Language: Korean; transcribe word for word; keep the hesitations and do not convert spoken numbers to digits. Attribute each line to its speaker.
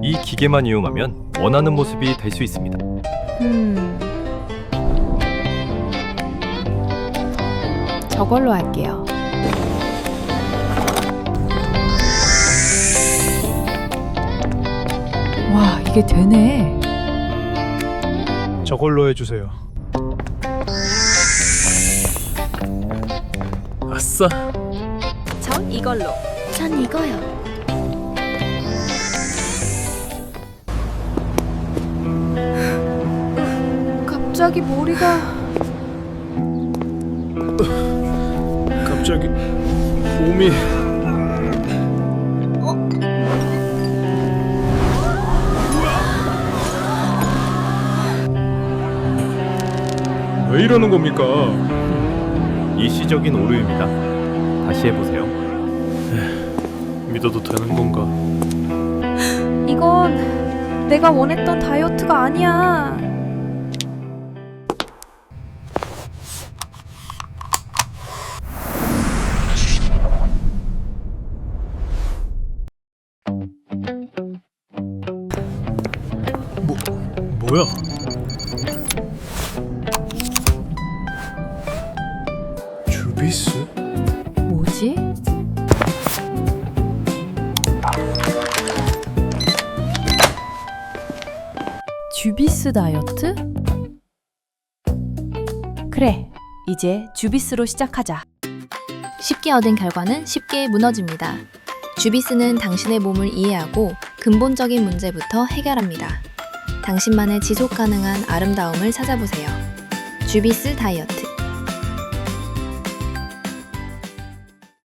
Speaker 1: 이 기계만 이용하면 원하는 모습이 될 수 있습니다.
Speaker 2: 음. 저걸로 할게요. 와, 이게 되네.
Speaker 3: 저걸로 해주세요.
Speaker 4: 아싸.
Speaker 2: 전 이걸로.
Speaker 5: 전 이거요.
Speaker 2: 갑자기 머리가
Speaker 3: 갑자기 몸이 왜 이러는 겁니까?
Speaker 1: 일시적인 오류입니다. 다시 해보세요.
Speaker 4: 믿어도 되는 건가?
Speaker 2: 이건 내가 원했던 다이어트가 아니야.
Speaker 3: 뭐 뭐야? 주비스?
Speaker 2: 뭐지? 주비스 다이어트? 그래, 이제 주비스로 시작하자.
Speaker 5: 쉽게 얻은 결과는 쉽게 무너집니다. 주비스는 당신의 몸을 이해하고 근본적인 문제부터 해결합니다. 당신만의 지속 가능한 아름다움을 찾아보세요. 주비스 다이어트.